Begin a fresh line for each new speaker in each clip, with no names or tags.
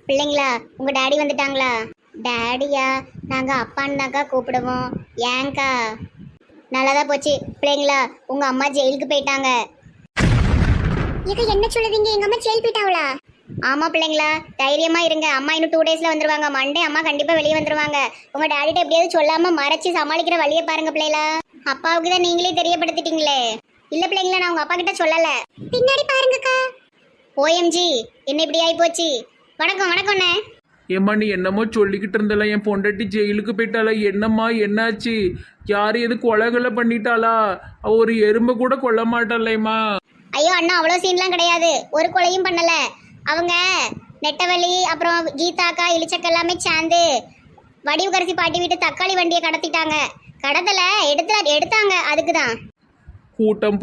பிள்ளைங்களா உங்க டாடி வந்துட்டாங்களா? டாடியா? நாங்க அப்பான்னு தான்க்கா கூப்பிடுவோம். ஏங்க்கா? நல்லதா போச்சு. பிள்ளைங்களா உங்க அம்மா ஜெயிலுக்கு போயிட்டாங்க. என்ன சொல்லுதீங்க? எங்க அம்மா ஜெயில் போயிட்டாங்களா? ஆமா பிள்ளைங்களா, தைரியமா இருங்க. அம்மா இன்னும் 2 டேஸ்ல வந்துருவாங்க. மண்டே அம்மா கண்டிப்பா வெளியே வந்துருவாங்க. உங்க டாடிட்ட எப்படியாவது சொல்லாம மறைச்சு சமாளிக்கிற வழியை பாருங்க பிள்ளைங்களா. அப்பாவுக்கு தான் நீங்களே தெரியப்படுத்திட்டீங்களே. இல்ல பிள்ளைங்களா, நான் உங்க அப்பா கிட்ட சொல்லல. பின்னாடி பாருங்கக்கா. ஓஎம்ஜி, என்ன இப்படி ஆயி போச்சு? வணக்கம் வணக்கம்ண்ணே.
ஏம்மா நீ என்னமோ சொல்லிக்கிட்டு இருந்தல, என் பொண்டாட்டி ஜெயிலுக்கு போயிட்டாளா? என்னம்மா என்னாச்சு? யாரு எது கொலைகளை பண்ணிட்டாளா? அவ ஒரு எறும்பை கூட கொல்ல மாட்டாளேம்மா.
ஐயோ அண்ணா, அவ்வளோ சீன்லாம் கிடையாது. ஒரு கொலையும் பண்ணல. அவங்க நெட்டவள்ளி அப்புறம் கீதாக்கா இளிச்சக்க எல்லாமே சேர்ந்து வடிவுகரசி பாட்டி வீட்டு தக்காளி வண்டியை கடத்திட்டாங்க. கடத்தல, எடுத்தாங்க. அதுக்குதான்.
கூட்டம்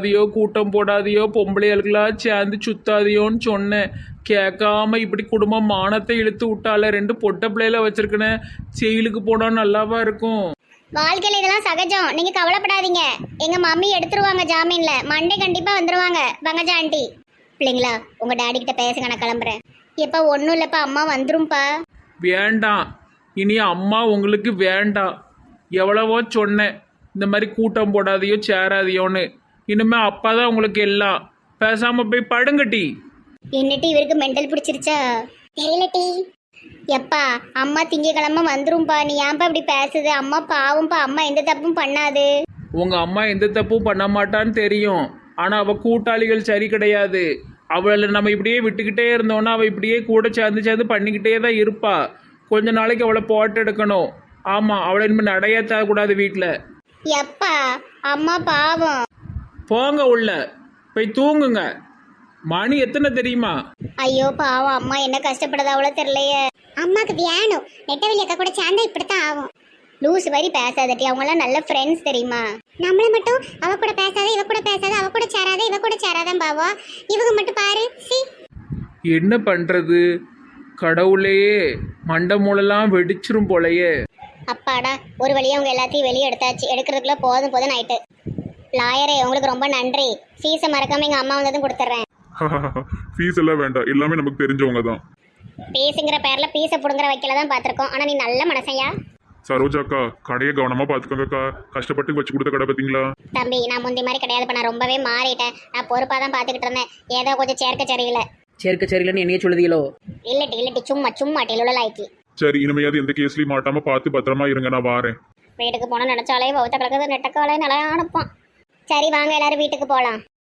போடாதியோ பொம்பளைகளுக்கெல்லாம் சேர்ந்து சுத்தாதியோன்னு சொன்னேன். கேட்காம இப்படி குடும்பம் மானத்தை இழுத்து விட்டால. 2 பொட்டை பிள்ளையில வச்சிருக்கேன். ஜெயிலுக்கு போனா நல்லாவா இருக்கும்?
வாழ்க்கையில இதெல்லாம் சகஜம், நீங்க கவலைப்படாதீங்க. எங்க மம்மி எடுத்துருவாங்க ஜாமீன்ல. மண்டே கண்டிப்பா வந்துருவாங்க பங்கஜா ஆண்டி. பிள்ளைங்களா உங்க டாடி கிட்ட பேசுங்க, நான் கிளம்புறேன். எப்ப ஒன்றும் இல்லப்பா, அம்மா வந்துரும்பா.
வேண்டாம், இனி அம்மா உங்களுக்கு வேண்டாம். எவ்வளவோ சொன்னேன் இந்த மாதிரி கூட்டம் போடாதையோ சேராதியோன்னு. இனிமே அப்பா தான் உங்களுக்கு எல்லாம். பேசாம போய் படுங்கட்டி.
என்னட்டி இவருக்கு மெண்டல் பிடிச்சிருச்சா தெரியல டி. எப்பா அம்மா திங்கக்கிழமை வந்துரும்பா. நீ ஏன்பா இப்படி பேசுது? அம்மா பாவம்பா, அம்மா எந்த தப்பும் பண்ணாது.
உங்க அம்மா எந்த தப்பும் பண்ண மாட்டான்னு தெரியும். ஆனா அவ கூட்டாளிகள் சரி கிடையாது. அவளை நம்ம இப்படியே விட்டுக்கிட்டே இருந்தோம்னா அவள் இப்படியே கூட சேர்ந்து பண்ணிக்கிட்டே தான் இருப்பா. கொஞ்ச நாளைக்கு அவளை போட்டு எடுக்கணும். ஆமாம், அவளை இனிமேல் நடையாற்றக்கூடாது வீட்டில்.
எப்பா அம்மா பாவம்.
போங்க உள்ள போய் தூங்குங்க. மணி எத்தனை தெரியுமா?
ஐயோ பாவம், அம்மா என்ன கஷ்டப்படுதா அவ்வளோ தெரியலையே. அம்மாக்கு வேணும். நெட்டவெளி அக்கா கூட சேர்ந்தா இப்படித்தான் ஆகும். லூஸ் மாதிரி பேசாதட்டி, அவங்களாம் நல்ல ஃப்ரெண்ட்ஸ் தெரியுமா? நம்மள மட்டும் அவ கூட பேசாத, இவ கூட பேசாத, அவ கூட சேராத, இவ கூட சேராதான் பாவா. இவங்க மட்டும் பாரு. சி
என்ன பண்றது? கடவுளையே, மண்டை மூலெல்லாம் வெடிச்சிரும் போலையே.
அப்பாடா, ஒரு வழியா அவங்க எல்லாத்தையும் வெளியே எடுத்தாச்சு. எடுக்கிறதுக்குள்ள போதும் ஆயிட்டு. லாயரே உங்களுக்கு ரொம்ப நன்றி. ஃபீஸை மறக்காம எங்க அம்மா வந்ததும் கொடுத்துட்றேன்.
ஃபீஸ் எல்லாம் வேண்டாம், எல்லாமே நமக்கு தெரிஞ்சவங்க தான்.
பீஸுங்கிற பேர்ல பீஸை புடுங்குற வைக்கல தான் பார்த்துருக்கோம். ஆனா நீ நல்ல மனசையா.
சரோஜாக்கா, கடையை கவனமா பாத்துக்கோங்கக்கா. கஷ்டப்பட்டு வச்சு கொடுத்த கடை பார்த்தீங்களா?
தம்பி, நான் முந்தி மாதிரி கிடையாது. நான் ரொம்பவே மாறிட்டேன். நான் பொறுப்பா தான் பாத்துக்கிட்டு இருந்தேன். ஏதோ கொஞ்சம் சேர்க்க சரியில்லைன்னு என்னையே சொல்லுதீங்களோ? இல்லட்டி சும்மா டெலுல லாய்க்கு.
சரி, இனிமையாவது எந்த கேஸ்லயும் மாட்டாம பார்த்து பத்திரமா இருங்க. நான் வாரேன்.
வீட்டுக்கு போனா நினைச்சாலே பௌத்த கலக்குது, நெட்டக்காலே நல்லா அனுப்பான். சரி வாங்க எல்லாரும் வீட்டுக்கு போலாம்.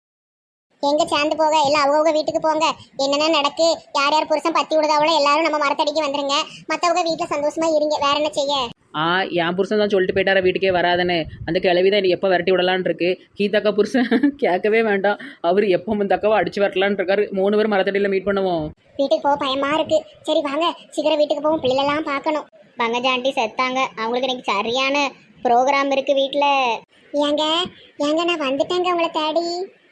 எங்க சேர்ந்து போக எல்லாம் அவங்க வீட்டுக்கு போங்க. என்னென்ன நடக்கு, யார் யார் புருஷன் பத்தி விடுதாவளோ எல்லாரும் நம்ம மரத்தடிக்கு வந்துருங்க. மற்றவங்க வீட்டில் சந்தோஷமா இருங்க. வேற என்ன செய்ய?
என் புருஷன் தான் சொல்லிட்டு போயிட்டார வீட்டுக்கே வராதுன்னு. அந்த கிளவி தான் எப்போ விரட்டி விடலான் இருக்கு. கீதாக்கா புருஷன் கேட்கவே வேண்டாம். அவர் எப்போ இந்த அக்காவை அடிச்சு வரலான் இருக்காரு. 3 பேர் மரத்தடியில் மீட் பண்ணுவோம்.
வீட்டுக்கு போக பயமா இருக்கு. சரி வாங்க சீக்கிரம் வீட்டுக்கு போவோம். பிள்ளைலாம் பார்க்கணும். பங்கஜா ஆண்டி செத்தாங்க. அவங்களுக்கு இன்னைக்கு சரியான ப்ரோக்ராம் இருக்கு வீட்டில். ஏங்க நான் வந்துட்டேங்க உங்களை தேடி.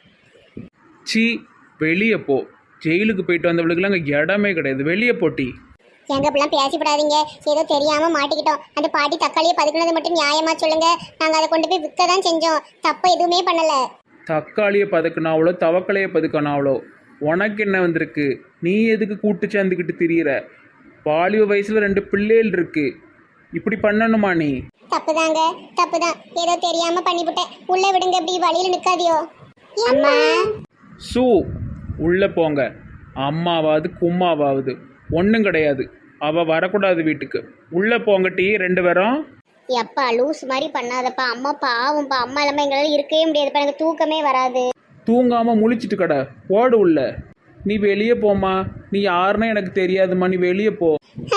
சி, வெளியே போ. ஜெயிலுக்கு போயிட்டு வந்தவளுக்குலாம் அங்கே இடமே கிடையாது. வெளியே போட்டி.
எங்க இப்பெல்லாம் பேசிப்படாதீங்க. ஏதோ தெரியாம மாட்டிக்கிட்டோம். அந்த பாட்டி தக்காளியை பதுக்குனது மட்டும் நியாயமா சொல்லுங்க. நாங்க அதை கொண்டு போய் விற்க தான் செஞ்சோம். தப்பு எதுவுமே பண்ணல.
தக்காளியை பதுக்கினாவளோ தவக்கலையை பதுக்கினாவளோ உனக்கு என்ன வந்திருக்கு? நீ எதுக்கு கூட்டு சேர்ந்துக்கிட்டு திரியிற? வாலிப வயசுல 2 பிள்ளைகள் இருக்கு. இப்படி பண்ணணுமா நீ?
தப்புதாங்க, தப்புதான். ஏதோ தெரியாம பண்ணிவிட்டேன். உள்ள விடுங்க. இப்படி வழியில நிக்காதியோ. அம்மா
சூ, உள்ளே போங்க. அம்மாவாவது கும்மாவாவது ஒன்றும் கிடையாது. அவள் வரக்கூடாது வீட்டுக்கு. உள்ளே போங்கட்டி 2 பேரும்.
எப்பா லூஸ் மாதிரி பண்ணாதப்பா. அம்மா பாவம்ப்பா. அம்மா இல்லாமல் எங்களால் இருக்கவே முடியாதுப்பா. எனக்கு தூக்கமே வராது.
தூங்காமல் முழிச்சிட்டு கடை ஓடு உள்ள. நீ வெளியே போம்மா. நீ யாருன்னு எனக்கு தெரியாதும்மா. நீ வெளியே போ.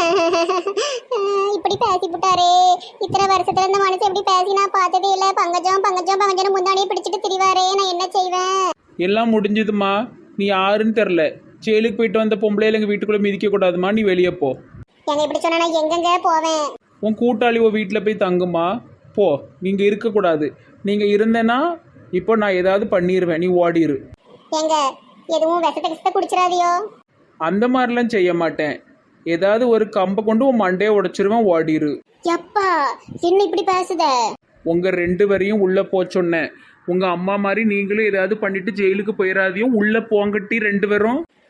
இப்படி பேசி விட்டாரே. இத்தனை வருஷத்துல இந்த மனுஷன் எப்படி பேசி நான் பார்த்ததே இல்லை. பங்கஜம் முந்தானியே பிடிச்சிட்டு திரிவாரே. நான் என்ன செய்வேன்?
எல்லாம் முடிஞ்சதுமா. நீ யாருன்னு தெரில. ஜெயிலுக்கு போயிட்டு வந்த பொம்பளையில எங்கள் வீட்டுக்குள்ளே மிதிக்க கூடாதுமா. நீ வெளியே போ.
எங்க இப்படி சொன்னா நான் எங்கெங்க போவேன்?
உன் கூட்டாளி உன் வீட்டில் போய் தங்குமா. போ. நீங்கள் இருக்கக்கூடாது. நீங்கள் இருந்தேன்னா இப்போ நான் ஏதாவது பண்ணிடுவேன். நீ ஓடிரு.
எங்க எதுவும் விஷத்தை குடிச்சிடாதியோ?
அந்த மாதிரிலாம் செய்ய மாட்டேன். ஏதாவது ஒரு கம்பை கொண்டு உன் மண்டையை உடைச்சிருவேன். ஓடிரு.
எப்பா என்ன இப்படி பேசுத?
உங்கள் 2 பேரையும் உள்ளே போ சொன்னேன். உங்கள் அம்மா மாதிரி நீங்களும் ஏதாவது பண்ணிட்டு ஜெயிலுக்கு போயிடாதையும். உள்ளே போங்கட்டி 2 பேரும்.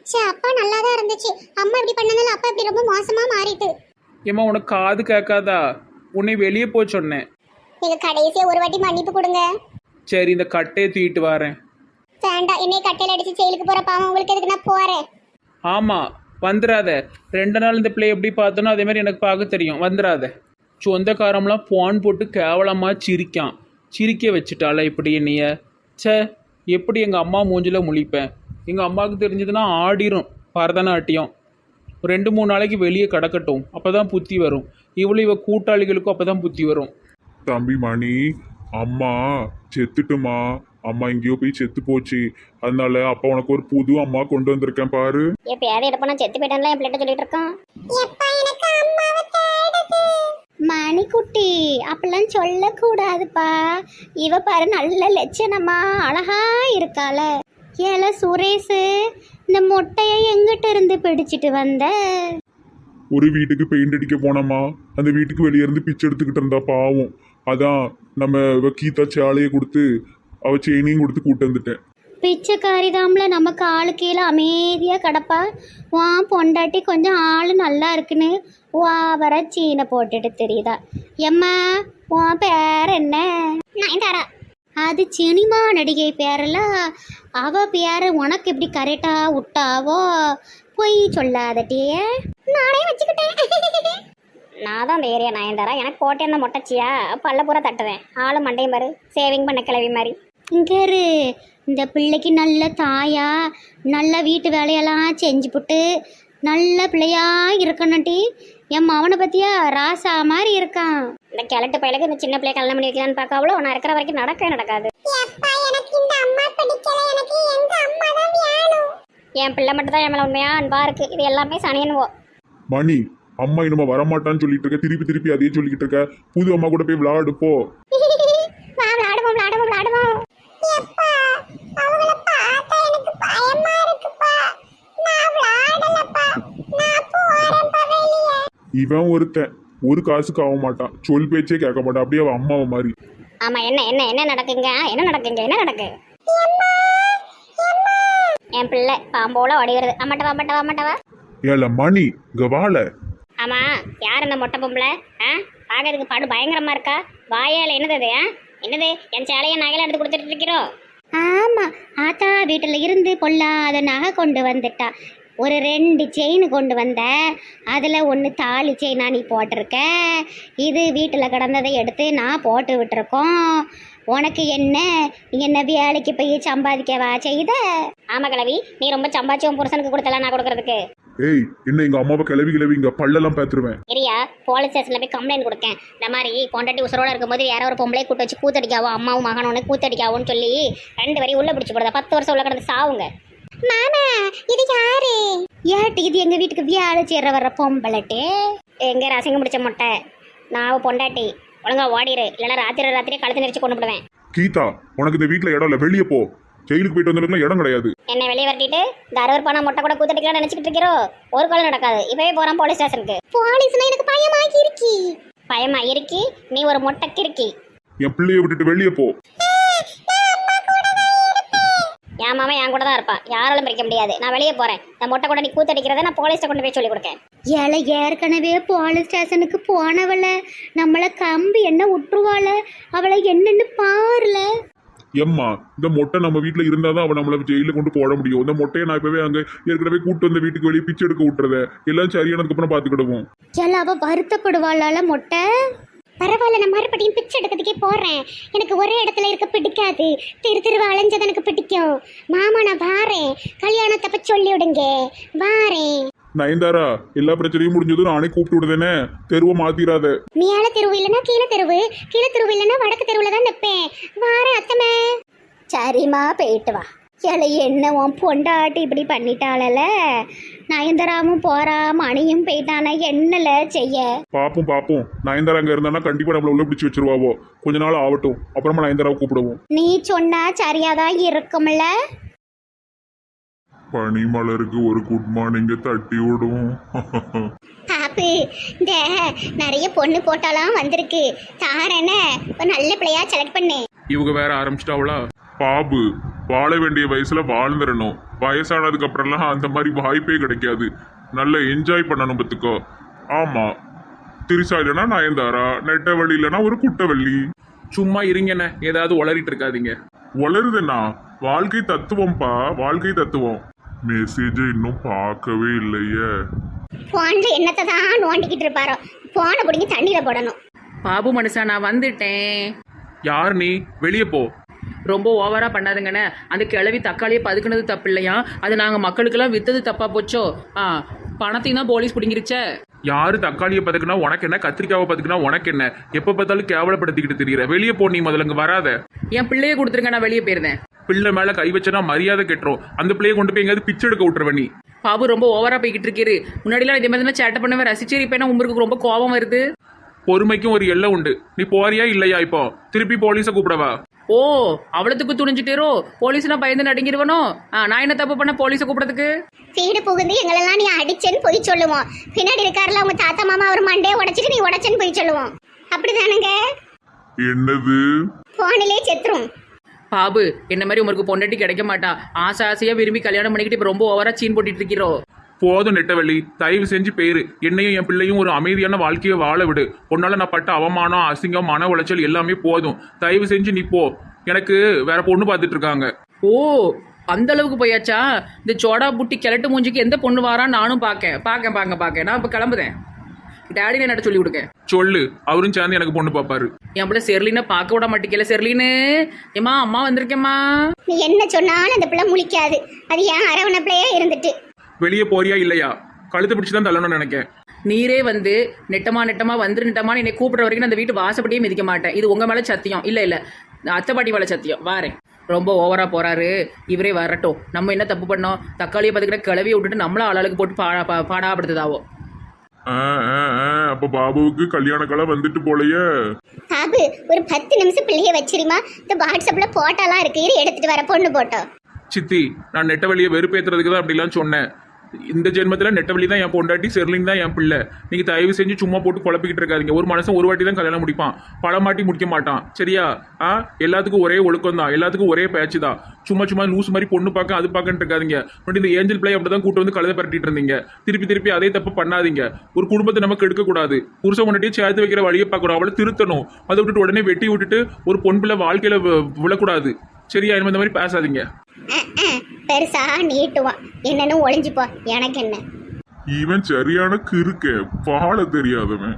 சே அப்பா நல்லா தான் இருந்துச்சு. அம்மா இப்படி பண்ணனால அப்பா இப்படி ரொம்ப மோசமா மாறிட்டு.
ஏம்மா உனக்கு காது கேட்காதா? உன்னை வெளியே போய் சொன்னேன்.
நீங்க கடைசியா ஒரு வாட்டி மன்னிப்பு கொடுங்க.
சரி இந்த கட்டையை தூக்கிட்டு வரேன்.
வேண்டாம், என்னை கட்டையில அடிச்சு ஜெயிலுக்கு போற பாவம் உங்களுக்கு எதுக்கு, நான் போறேன்.
ஆமாம் வந்துடாத. 2 நாள் இந்த பிள்ளை எப்படி பார்த்தோனோ அதே மாதிரி எனக்கு பார்க்க தெரியும். வந்துடாத. சொந்தக்காரம்லாம் போன் போட்டு கேவலமாக சிரிக்க வச்சுட்டால இப்படி என்னைய. ச்சே எப்படி எங்கள் அம்மா மூஞ்சில் முழிப்பேன். எங்கள் அம்மாவுக்கு தெரிஞ்சதுன்னா ஆடிரும் பரதநாட்டியம். 2-3 நாளைக்கு வெளியே கிடக்கட்டும், அப்போ தான் புத்தி வரும். இவ கூட்டாளிகளுக்கும் அப்போ தான் புத்தி வரும்.
தம்பி மணி, அம்மா செத்துட்டுமா. அம்மா எங்கேயோ போய் செத்து போச்சு. அதனால அப்பா உனக்கு ஒரு புது அம்மா கொண்டு வந்திருக்கேன் பாரு.
எப்ப யாரும் எடுப்பா நான் செத்து போயிட்டான்ல என் பிள்ளைட்ட சொல்லிட்டு இருக்கான். எப்பா எனக்கு அம்மாவை தேடுது. மணிக்குட்டி அப்படிலாம் சொல்லக்கூடாதுப்பா. இவ பாரு நல்ல லட்சணமா அழகா இருக்கால. ஏல சுரேஷ், இந்த மொட்டையை எங்கிட்ட இருந்து பிடிச்சிட்டு வந்த?
ஒரு வீட்டுக்கு பெயிண்ட் அடிக்க போனோமா, அந்த வீட்டுக்கு வெளியே இருந்து பிச்சை எடுத்துக்கிட்டு இருந்தா பாவம். அதான் நம்ம கீதா சேலையை கொடுத்து அவ செயினையும் கொடுத்து கூட்டு வந்துட்டேன்.
பிச்சைக்காரி தாம்ல நமக்கு ஆளு கீழே அமைதியா கிடப்பா. வா பொண்டாட்டி கொஞ்சம் ஆளு நல்லா இருக்குன்னு வா வர சீனை போட்டுட்டு தெரியுதா? எம்மா உன் பேர் என்ன? நயன்தாரா. அது சினிமா நடிகை பேரல. அவ பேரு உனக்கு எப்படி கரெக்டா விட்டாவோ? பொய் சொல்லாதட்டியே. நானே வச்சுக்கிட்டேன். நான் தான் அந்த ஏரியா நயன்தாரா. எனக்கு கோட்டை என்ன மொட்டச்சியா? பல்ல பூரா தட்டுவேன். ஆளு மண்டையும் பாரு, சேவிங் பண்ண கிளவி மாதிரி. இங்கே இந்த பிள்ளைக்கு நல்ல தாயா, நல்ல வீட்டு வேலையெல்லாம் செஞ்சு போட்டு நல்ல பிள்ளையா இருக்கணும்ட்டி. என் மவனை பற்றியா ராசா மாதிரி இருக்கான். இந்த கிழட்டு பையலுக்கு இந்த சின்ன பிள்ளைய கல்யாணம் பண்ணி வைக்கலான்னு பார்க்க அவ்வளோ நான் இருக்கிற வரைக்கும் நடக்காது. என் பிள்ளை மட்டும் தான் என் மேலே உண்மையா அன்பா இருக்கு. இது எல்லாமே சனியனுவோ.
மணி, அம்மா இன்னும் வரமாட்டான்னு சொல்லிட்டு இருக்க, திருப்பி அதே சொல்லிக்கிட்டு இருக்க. புது அம்மா கூட போய் விளையாடு போ.
விளையாடுவோம்.
இவன் ஒருத்தன் ஒரு காசுக்கு ஆக மாட்டான், சொல் பேச்சே கேட்க மாட்டான். அப்படியே அவன் அம்மாவை மாதிரி.
ஆமா என்ன நடக்குங்க? என்ன நடக்கு? என் பிள்ளை பாம்போல ஓடி வருது. அம்மாட்டவா.
ஏல மணி கவால.
ஆமா யார் இந்த மொட்டை பொம்பளை? பார்க்கறதுக்கு பாடு பயங்கரமா இருக்கா. வாயால என்னது? என்னது என் சேலையை நகையில எடுத்து கொடுத்துட்டு இருக்கிறோம்? ஆமா ஆத்தா வீட்டுல இருந்து பொல்லாத நகை கொண்டு வந்துட்டா. ஒரு 2 செயின் கொண்டு வந்த. அதில் 1 தாலி செயினா நீ போட்டிருக்க. இது வீட்டில் கிடந்ததை எடுத்து நான் போட்டு விட்டுருக்கோம். உனக்கு என்ன? நீ என்ன வேலைக்கு போய் சம்பாதிக்கவா செய்த? ஆமா கிழவி, நீ ரொம்ப சம்பாதிச்சு உன் புருஷனுக்கு கொடுத்தல நான் கொடுக்கறதுக்கு.
ஏய் என்ன எங்க அம்மாவை கிளவி இங்க பல்லெல்லாம் பேத்துருவேன்.
சரியா, போலீஸ் ஸ்டேஷன்ல போய் கம்ப்ளைண்ட் கொடுக்கேன். இந்த மாதிரி பொண்டாட்டி உசுரோட இருக்கும்போது யாரோ ஒரு பொம்பளை கூட்டு வச்சு கூத்தடிக்காவோ, அம்மாவும் மகனோன்னு கூத்தடிக்காவோன்னு சொல்லி 2 வரையும் உள்ள பிடிச்சி போடுதா. 10 வருஷம் உள்ள கிடந்து சாவுங்க. மாமா இது யாரு? ஏட்டு இது எங்க வீட்டுக்கு வியாழ சேர வர்ற பொம்பளட்டு. எங்க ரசங்க முடிச்ச மொட்டை. நான் பொண்டாட்டி ஒழுங்கா ஓடிடு, இல்லைன்னா ராத்திரியே கழுத்து நெரிச்சு கொண்டு விடுவேன்.
கீதா, உனக்கு இந்த வீட்டுல இடம் இல்ல, வெளியே போ. ஜெயிலுக்கு போயிட்டு வந்ததுக்குலாம் இடம் கிடையாது.
என்ன வெளியே வரட்டிட்டு இந்த 60 ரூபாய் மொட்டை கூட கூத்தடிக்கலாம் நினைச்சிட்டு இருக்கிறோம். ஒரு காலம் நடக்காது. இப்பவே போறான் போலீஸ் ஸ்டேஷனுக்கு. போலீஸ்னா எனக்கு பயமா இருக்கி. நீ ஒரு மொட்டை கிறுக்கி.
என் பிள்ளைய விட்டுட்டு வெளியே போ.
என் மாமா என் கூட தான் இருப்பான், யாராலும் பிரிக்க முடியாது. நான் வெளியே போறேன். இந்த மொட்டை கூட நீ கூத்தடிக்கிறத நான் போலீஸ்ட கொண்டு போய் சொல்லி கொடுக்கேன். ஏழை ஏற்கனவே போலீஸ் ஸ்டேஷனுக்கு போனவள நம்மளை கம்பி என்ன விட்டுருவாள? அவளை என்னன்னு பாருல.
எம்மா, இந்த மொட்டை நம்ம வீட்டுல இருந்தாதான் அவன் நம்மள ஜெயில கொண்டு போட முடியும். இந்த மொட்டையை நான் இப்பவே அங்க ஏற்கனவே கூட்டு வந்த வீட்டுக்கு வெளியே பிச்சை எடுக்க விட்டுறத எல்லாம் சரியானதுக்கு அப்புறம் பாத்துக்கிடுவோம்.
ஏல அவ வருத்தப்படுவாளால மொட்டை? பரவாயில்ல, நான் மறுபடியும் பிச்சை எடுக்கிறதுக்கே போறேன். எனக்கு ஒரே இடத்துல இருக்க பிடிக்காது. திருவா அலைஞ்சது எனக்கு பிடிக்கும். மாமா நான் வாரேன், கல்யாணத்தை பத்தி சொல்லி விடுங்க. வாரேன்.
நயன்தாரா, எல்லா பிரச்சனையும் முடிஞ்சதும் நானே கூப்பிட்டு விடுதேனே. தெருவை மாத்திராத.
மேல தெருவு இல்லைன்னா கீழே தெருவு இல்லைன்னா வடக்கு தெருவுல தான் நிற்பேன். வாரேன் அத்தமே. சரிம்மா போயிட்டு வா. ஏழை என்ன உன் பொண்டாட்டி இப்படி பண்ணிட்டாளல. நயன்தராமும் போறா, மணியும் போயிட்டானா என்னல செய்ய?
பாப்போம். நயன்தாரா அங்க இருந்தானா கண்டிப்பா நம்மள உள்ள பிடிச்சி வச்சிருவாவோ. கொஞ்ச நாள் ஆகட்டும், அப்புறமா நயன்தாராவை கூப்பிடுவோம்.
நீ சொன்னா சரியாதான் இருக்கும்ல.
பனிமலருக்கு ஒரு குட் மார்னிங்க தட்டி விடுவோம்.
பாப்பு, இந்த நிறைய பொண்ணு போட்டாலாம் வந்திருக்கு. தாரன ஒரு நல்ல பிள்ளையா செலக்ட் பண்ணு.
இவங்க வேற ஆரம்பிச்சிட்டாவளா?
பாபு, வாழ வேண்டிய வயசுல வாழ்ந்துடணும். வயசானதுக்கு அப்புறம்லாம் அந்த மாதிரி வாய்ப்பே கிடைக்காது. நல்லா என்ஜாய் பண்ணணும் பத்துக்கோ. ஆமா, திரிசா இல்லைன்னா நயன்தாரா, நெட்டவள்ளி இல்லைன்னா ஒரு குட்டவள்ளி.
சும்மா இருங்கண்ணே, ஏதாவது உளறிட்டு இருக்காதீங்க.
வளருதுண்ணா, வாழ்க்கை தத்துவம்ப்பா, வாழ்க்கை தத்துவம். மெசேஜ் இன்னும் பார்க்கவே இல்லையே.
போன்ல என்னத்தை தான் நோண்டிக்கிட்டு இருப்பாரோ, போனை பிடிங்கி தண்ணியில போடணும்.
பாபு மனுஷா நான் வந்துட்டேன்.
யார் நீ? வெளியே போ.
ரொம்ப ஓவரா பண்ணாதுங்கண்ணே. அந்த கிழவி தக்காளியை பதுக்குனது தப்பு இல்லையா? அது நாங்கள் மக்களுக்கெல்லாம் வித்தது தப்பா போச்சோ? பணத்தையும் தான் போலீஸ் பிடிங்கிருச்சே.
யாரு தக்காளியை பதுக்குனா உனக்கு என்ன, கத்திரிக்காவை பதுக்குனா உனக்கு என்ன? எப்ப பார்த்தாலும் கேவலப்படுத்திக்கிட்டு தெரியுற. வெளியே போ, நீ முதல்ல இங்க வராத.
என் பிள்ளையே கொடுத்துருங்க, நான் வெளியே போயிருந்தேன்.
பிள்ளை மேல கை வச்சனா மரியாதை கெட்டுரும். அந்த பிள்ளையை கொண்டு போய் எங்கேயாவது பிச்சை எடுக்க விட்டுருவ நீ.
பாபு ரொம்ப ஓவரா போய்கிட்டு இருக்காரு. முன்னாடிலாம் இதே மாதிரி சேட்டை பண்ணவே ரசிச்சிருப்பேன். உங்களுக்கு ரொம்ப கோபம் வருது.
பொறுமைக்கும் ஒரு எல்லை உண்டு. நீ போறியா இல்லையா? இப்போ திருப்பி போலீஸை கூப்பிடவா?
ஓ, அவ்வளவுக்கு துணிஞ்சிட்டேரோ? போலீஸ்னா பயந்து நடுங்கிடுவனோ? நான் என்ன தப்பு பண்ண போலீஸை கூப்பிடறதுக்கு?
வீடு புகுந்து எங்களெல்லாம் நீ அடிச்சேன்னு போய் சொல்லுவோம். பின்னாடி இருக்காருல அவங்க தாத்தா மாமா ஒரு மண்டையை உடைச்சிட்டு நீ உடைச்சேன்னு போய் சொல்லுவோம். அப்படிதானுங்க?
என்னது?
போனிலே செத்துரும்.
பாபு, என்ன மாதிரி உங்களுக்கு பொண்டாட்டி கிடைக்க மாட்டா. ஆசை ஆசையா விரும்பி கல்யாணம் பண்ணிக்கிட்டு இப்ப ரொம்ப ஓவரா சீன் போட்டுட்டு இருக்கிறோ.
போதும் நெட்டவள்ளி, தயவு செஞ்சு பேரு. என்னையும் என் பிள்ளையும் ஒரு அமைதியான வாழ்க்கையை வாழ விடு. உன்னால நான் பட்ட அவமானம், அசிங்கம், மன உளைச்சல் எல்லாமே போதும். தயவு செஞ்சு நீ போ. எனக்கு வேற பொண்ணு பார்த்துட்டு இருக்காங்க.
ஓ, அந்த அளவுக்கு போயாச்சா? இந்த சோடா புட்டி கிழட்டு மூஞ்சிக்கு எந்த பொண்ணு வாரான்னு நானும் பார்க்க. நான் இப்ப கிளம்புதேன். டேடி என்ன சொல்லி கொடுக்க
சொல்லு. அவரும் சேர்ந்து எனக்கு பொண்ணு பார்ப்பாரு.
என் பிள்ளை செர்லினை பார்க்க விட மாட்டேங்கல. செர்லின்னு ஏமா, அம்மா வந்திருக்கேம்மா.
நீ என்ன சொன்னாலும் அந்த பிள்ளை முழிக்காது. அது ஏன் அரவணைப்பிலேயே இருந்துட்டு.
வெளியே போறியா இல்லையா? கழுத்து பிடிச்சி தான் தள்ளணும்னு நினைக்கேன்.
நீரே வந்து நெட்டமா வந்துரு நெட்டமான்னு என்னை கூப்பிடுற வரைக்கும் அந்த வீட்டு வாசப்படியே மிதிக்க மாட்டேன். இது உங்க மேல சத்தியம். இல்ல அத்தை பாட்டி மேல சத்தியம். வாரேன். ரொம்ப ஓவரா போறாரு. இவரே வரட்டும். நம்ம என்ன தப்பு பண்ணோம்? தக்காளியை பார்த்துக்கிட்ட கிளவியை விட்டுட்டு நம்மள ஆளாளுக்கு போட்டு பாடாப்படுத்துதாவோ.
அப்ப பாபுவுக்கு கல்யாண காலம் வந்துட்டு போலயே.
பாபு, ஒரு 10 நிமிஷம் பிள்ளைய வச்சிருமா. இந்த வாட்ஸ்அப்ல போட்டோலாம் இருக்கு, இரு எடுத்துட்டு வர. பொண்ணு போட்டோ.
சித்தி, நான் நெட்டவழியை வெறுப்பேற்றுறதுக்கு தான் அப்படிலாம் சொன்னேன். இந்த ஜென்மத்தில் நெட்டவழி தான் என் பொண்டாட்டி, செர்லின் தான் என் பிள்ளை. நீங்கள் தயவு செஞ்சு சும்மா போட்டு குழப்பிக்கிட்டு இருக்காதீங்க. ஒரு மனுஷன் ஒரு வாட்டி தான் கல்யாணம் முடிப்பான், பல மாட்டி முடிக்க மாட்டான். சரியா? எல்லாத்துக்கும் ஒரே ஒழுக்கம் தான், எல்லாத்துக்கும் ஒரே பேச்சு தான். சும்மா லூஸ் மாதிரி பொண்ணு பார்க்க அது பார்க்கன்னு இருக்காதீங்க. பட் இந்த ஏஞ்சல் பிள்ளை அப்படி தான் கூட்டு வந்து கழுதை பரட்டிட்டு இருந்தீங்க. திருப்பி அதே தப்பு பண்ணாதீங்க. ஒரு குடும்பத்தை நமக்கு எடுக்கக்கூடாது. புருஷன் முன்னாடியே சேர்த்து வைக்கிற வழியை பார்க்கணும், அவளை திருத்தணும். அதை விட்டுட்டு உடனே வெட்டி விட்டுட்டு ஒரு பொன் பிள்ளை வாழ்க்கையில விழக்கூடாது. சரியா? இந்த மாதிரி பேசாதீங்க.
பெருசா நீட்டுவான், என்னன்னு ஒளிஞ்சுப்போ. எனக்கு என்ன?
இவன் சரியான கிறுக்க, வாழ தெரியாதவன்.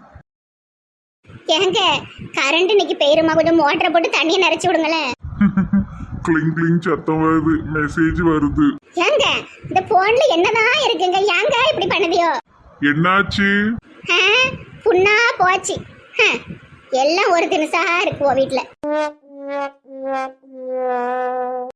ஏங்க, கரண்ட் இன்னைக்கு பெயருமா, கொஞ்சம் மோட்டரை போட்டு தண்ணியை நிறைச்சு விடுங்களேன்.
கிளிங் கிளிங் சத்தம் வருது, மெசேஜ் வருது.
ஏங்க, இந்த போன்ல என்னதான் இருக்குங்க? ஏங்க இப்படி பண்ணுதியோ?
என்னாச்சு?
புண்ணா போச்சு. எல்லாம் ஒரு தினசா இருக்குவோ வீட்டுல.